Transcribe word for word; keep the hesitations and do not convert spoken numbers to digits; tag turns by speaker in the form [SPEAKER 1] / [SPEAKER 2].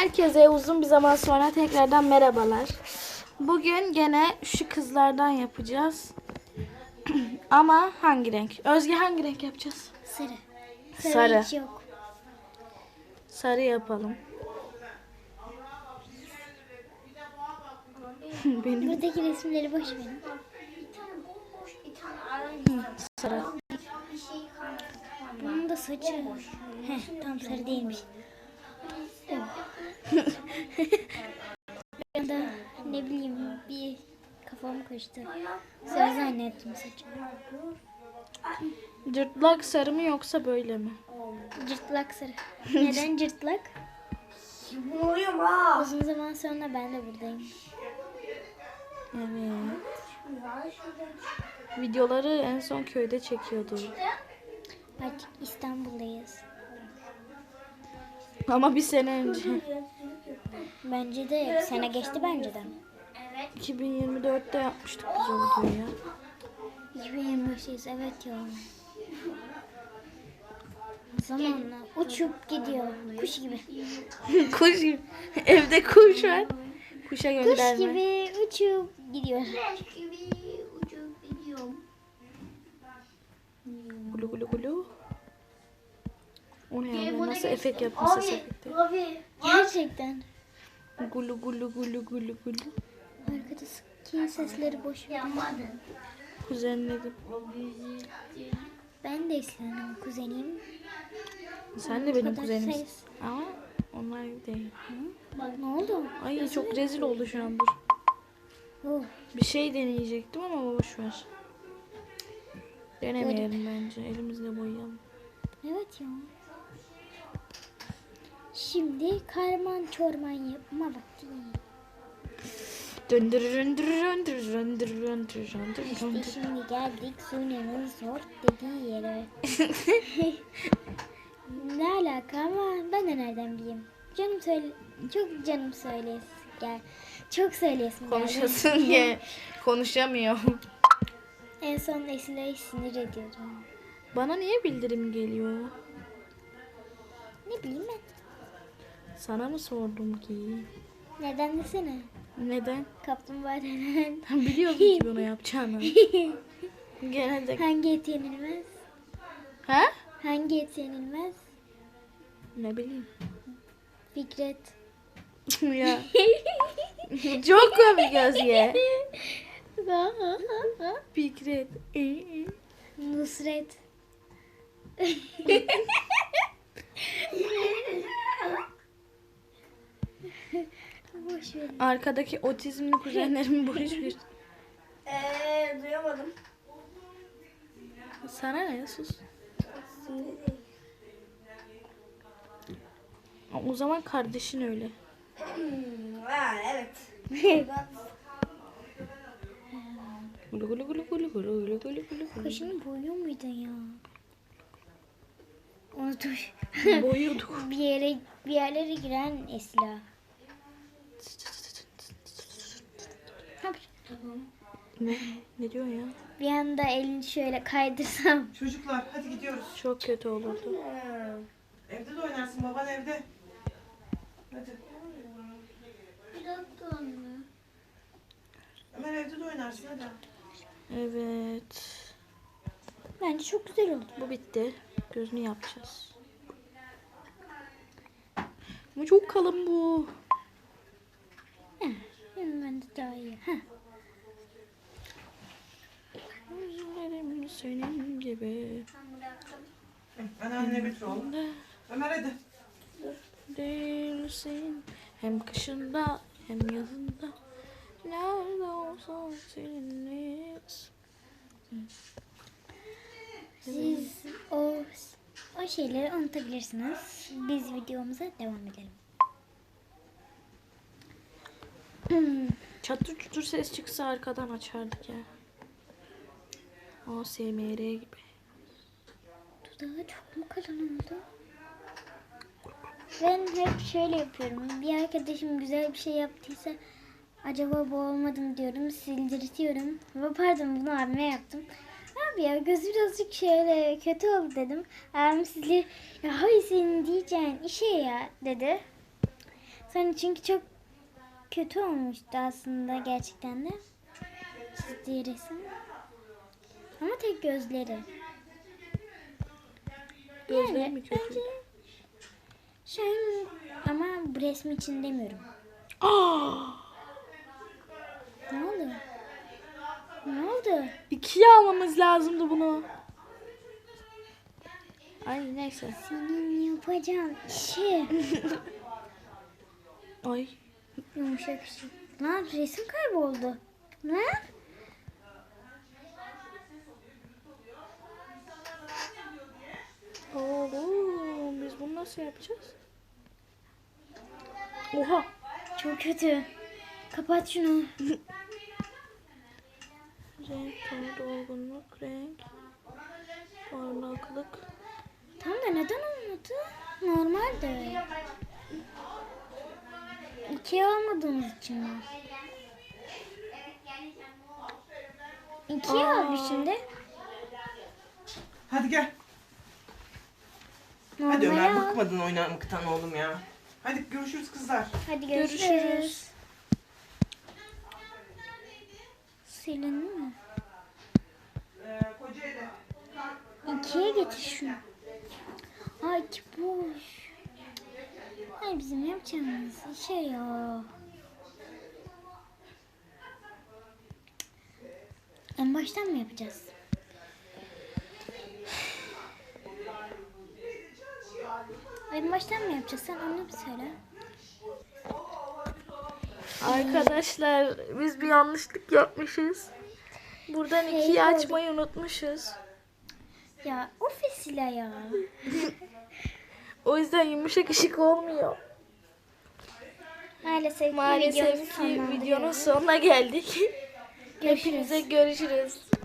[SPEAKER 1] Herkese uzun bir zaman sonra tekrardan merhabalar. Bugün gene şu kızlardan yapacağız. Ama hangi renk? Özge hangi renk yapacağız?
[SPEAKER 2] Sarı.
[SPEAKER 1] Sarı.
[SPEAKER 2] Sarı hiç yok.
[SPEAKER 1] Sarı yapalım. Benim
[SPEAKER 2] Buradaki resimleri boş verin.
[SPEAKER 1] sarı.
[SPEAKER 2] Bunun da saçı. Heh, tam sarı değilmiş. Ben de ne bileyim bir kafam karıştı. Sarı zannettim saçımı.
[SPEAKER 1] Cırtlak sarı mı yoksa böyle mi?
[SPEAKER 2] Cırtlak sarı. Neden cırtlak? Uzun zaman sonra ben de buradayım.
[SPEAKER 1] Evet. Videoları en son köyde çekiyordu.
[SPEAKER 2] Artık İstanbul'dayız.
[SPEAKER 1] Ama bir sene önce.
[SPEAKER 2] Bence de sene geçti bence de.
[SPEAKER 1] iki bin yirmi dörtte yapmıştık biz o videoyu ya.
[SPEAKER 2] iki bin yirmi beşteyiz evet ya. Zamanla uçup gidiyor kuş gibi.
[SPEAKER 1] Kuş gibi. Evde kuş var. Kuşa
[SPEAKER 2] Kuş
[SPEAKER 1] gönderme.
[SPEAKER 2] gibi uçup gidiyor.
[SPEAKER 1] Gulu gulu gulu. O ne ya? Ben nasıl efekt yaptım ses efekti?
[SPEAKER 2] Gerçekten.
[SPEAKER 1] Gulu gulu gulu gulu gulu.
[SPEAKER 2] Arkadaki sesleri boş ver.
[SPEAKER 1] Kuzenledim.
[SPEAKER 2] Ben de Esra'nın kuzeniyim.
[SPEAKER 1] Sen de benim
[SPEAKER 2] kadar
[SPEAKER 1] kuzenimsin.
[SPEAKER 2] ses.
[SPEAKER 1] Ama onlar değil.
[SPEAKER 2] Bak ne oldu?
[SPEAKER 1] Ay çok rezil oldu şu an dur.
[SPEAKER 2] Oh.
[SPEAKER 1] Bir şey deneyecektim ama boş ver. Denemeyelim bence. Elimizle boyayalım.
[SPEAKER 2] Evet ya. Şimdi karman çorman yapma vakti.
[SPEAKER 1] Döndür döndür döndür döndür döndür döndür
[SPEAKER 2] İşte
[SPEAKER 1] döndür.
[SPEAKER 2] şimdi geldik Sune'nin sor dediği yere. Ne alaka ama ben de nereden bileyim. Canım söyle, çok canım söylesin gel. Çok söylesin geldi.
[SPEAKER 1] Konuşasın diye konuşamıyorum.
[SPEAKER 2] En son Esra'yı sinir ediyordum.
[SPEAKER 1] Bana niye bildirim geliyor?
[SPEAKER 2] Ne bileyim ben.
[SPEAKER 1] Sana mı sordum ki?
[SPEAKER 2] Neden desene.
[SPEAKER 1] Neden?
[SPEAKER 2] Kaplumbağa neden?
[SPEAKER 1] Ben biliyordum ki bunu yapacağını. Gene de...
[SPEAKER 2] Hangi et yenilmez?
[SPEAKER 1] Ha?
[SPEAKER 2] Hangi et yenilmez?
[SPEAKER 1] Ne bileyim.
[SPEAKER 2] Fikret.
[SPEAKER 1] Ya. Çok komik Özge. Fikret.
[SPEAKER 2] Nusret. Boş ver.
[SPEAKER 1] Arkadaki otizmli kuzenlerimi boş ver.
[SPEAKER 3] Eee duyamadım.
[SPEAKER 1] Sana ne? Sus. O zaman kardeşin öyle.
[SPEAKER 3] Ha evet.
[SPEAKER 1] Gulu gulu gulu gulu gulu gulu gulu gulu.
[SPEAKER 2] Kaşını boyuyor muydun ya? Unuttum.
[SPEAKER 1] Boyuyorduk.
[SPEAKER 2] bir yere bir yerlere giren Esra.
[SPEAKER 1] Ne? Ne diyor ya?
[SPEAKER 2] Bir anda elini şöyle kaydırsam.
[SPEAKER 4] Çocuklar hadi gidiyoruz.
[SPEAKER 1] Çok kötü olurdu.
[SPEAKER 4] Evde de oynarsın baban evde. Hadi. Ömer evde de oynarsın hadi.
[SPEAKER 1] Evet.
[SPEAKER 2] Bence çok güzel oldu.
[SPEAKER 1] Bu bitti. Gözünü yapacağız. Ama çok kalın bu.
[SPEAKER 2] Heh, şimdi ben de daha iyi. Heh.
[SPEAKER 1] Gözlerim senin gibi.
[SPEAKER 4] Anneanne götür oğlum. Ömer hadi.
[SPEAKER 1] Değilsin. Hem kışında hem yazında. Nerede olsan seninleyiz.
[SPEAKER 2] Siz o o şeyleri unutabilirsiniz. Biz videomuza devam edelim.
[SPEAKER 1] Çatır çutur ses çıksa arkadan açardık ya. O S M R gibi.
[SPEAKER 2] Dudağı çok mu kalın oldu? Ben hep şöyle yapıyorum. Bir arkadaşım güzel bir şey yaptıysa acaba bu olmadı mı diyorum. Sildirtiyorum. Ama pardon bunu abime yaptım. Abi ya gözü birazcık şöyle kötü oldu dedim. Abim sizi ya hay senin diyeceğin işe ya dedi. Sonra çünkü çok kötü olmuştu aslında gerçekten de. Çizdiği resim. Ama tek gözleri.
[SPEAKER 1] Gözleri mi kötü?
[SPEAKER 2] Bence şu an ama bu resmi için demiyorum.
[SPEAKER 1] Aa!
[SPEAKER 2] Ne oldu? Ne oldu?
[SPEAKER 1] İkiye almamız lazımdı bunu. Ay neyse.
[SPEAKER 2] Senin yapacağın işi.
[SPEAKER 1] Ay.
[SPEAKER 2] Yumuşak bir şey. Lan resim kayboldu. Ne?
[SPEAKER 1] Oğlum biz bunu nasıl yapacağız? Oha.
[SPEAKER 2] Çok kötü. Kapat şunu.
[SPEAKER 1] Renk, tonu, dolgunluk, renk, parlaklık.
[SPEAKER 2] Tam da neden olmadı? Normal de. İkiye almadığımız için mi? İkiye al bir şimdi.
[SPEAKER 4] Hadi gel. Hadi
[SPEAKER 2] Normale
[SPEAKER 4] Ömer,
[SPEAKER 2] al.
[SPEAKER 4] bıkmadın oynamaktan oğlum ya. Hadi görüşürüz kızlar.
[SPEAKER 2] Hadi görüşürüz.
[SPEAKER 1] Görüşürüz.
[SPEAKER 2] Silindi mi?
[SPEAKER 4] Ee, Kocaeli.
[SPEAKER 2] İkiye getir şunu. Ay iki boş. Ay bizim yapacağımız şey ya. En baştan mı yapacağız? En baştan mı yapacağız? Sen onu bir söyle.
[SPEAKER 1] Arkadaşlar biz bir yanlışlık yapmışız. Buradan
[SPEAKER 2] Şey
[SPEAKER 1] ikiyi
[SPEAKER 2] oldu.
[SPEAKER 1] açmayı unutmuşuz.
[SPEAKER 2] Ya o Fesila ya.
[SPEAKER 1] O yüzden yumuşak ışık olmuyor.
[SPEAKER 2] Maalesef,
[SPEAKER 1] Maalesef ki videonun sonuna geldik. Hepinize görüşürüz.